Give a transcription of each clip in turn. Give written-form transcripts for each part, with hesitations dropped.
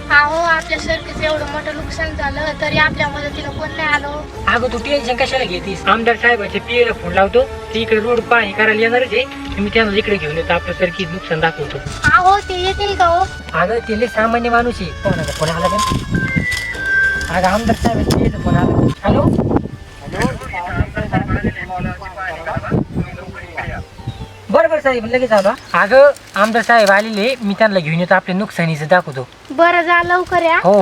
अहो आपल्या सरकीचं एवढं मोठं नुकसान झालं तरी आपल्या मदतीला कोण नाही आलो. अगं तू टेन्शन कशाला घेतीस? आमदार साहेबाच्या पियला फोन लावतो, ते इकडे रोड पाहणी करायला येणारच आहे. मी त्यांना इकडे घेऊन येतो, आपलं सरकी नुकसान दाखवतो. अहो ते येतील का हो? अगं ते लय सामान्य माणूस आहे. कोणाचा फोन आला का? अगं आमदार साहेबाच्या पियला फोन आला. हॅलो बरोबर साहेब लगेच आलो. अगं आमदार साहेब आलेले, मी त्यांना घेऊन येतो, आपल्या नुकसानीचं दाखवतो. बरं जा लवकर या. हो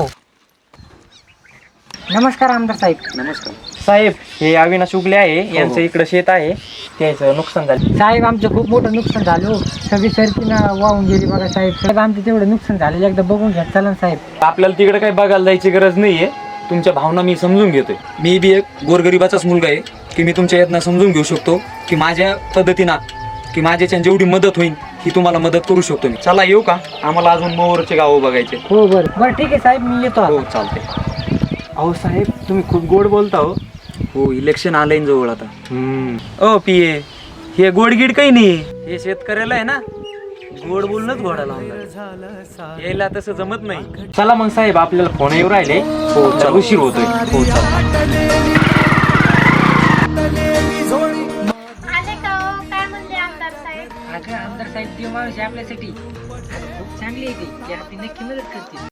नमस्कार आमदार साहेब. नमस्कार साहेब, हे अविनाश उगले आहे, यांचं इकडं शेत आहे, त्याचं नुकसान झालं. साहेब आमचं खूप मोठं नुकसान झालं. सगळी सरकीनं वाहून गेली बघा साहेब. साहेब आमचं तेवढं नुकसान झालेलं एकदा बघून घ्या चला ना साहेब. आपल्याला तिकडे काही बघायला जायची गरज नाहीये. तुमच्या भावना मी समजून घेतोय. मी बी एक गोरगरिबाचाच मुलगा आहे की मी तुमच्या यातनं समजून घेऊ शकतो की माझ्या पद्धतीनं की माझ्याच्या जेवढी मदत होईल ही तुम्हाला मदत करू शकतो मी. चला येऊ का? आम्हाला अजून मोरचे गावं बघायचे. हो बरं बरं ठीक आहे साहेब, मी येतो. हो चालते. अहो साहेब, तुम्ही खूप गोड बोलता हो. हो, इलेक्शन आलंय जवळ आता. ओ पिये, हे गोडगीड काही नाही. हे शेतकऱ्याला आहे ना, गोड बोलूनच घोडा लावला. यायला तसं जमत नाही. चला मग साहेब, आपल्याला फोन येऊ राहिले. हो चल, उशीर होतोय. हो चला. आले का हो? काय म्हणले आमदार साहेब? अगं आमदार साहेब देव माणूस आहे आपल्यासाठी. खूप चांगली आहे ती, आपली नक्की मदत करते.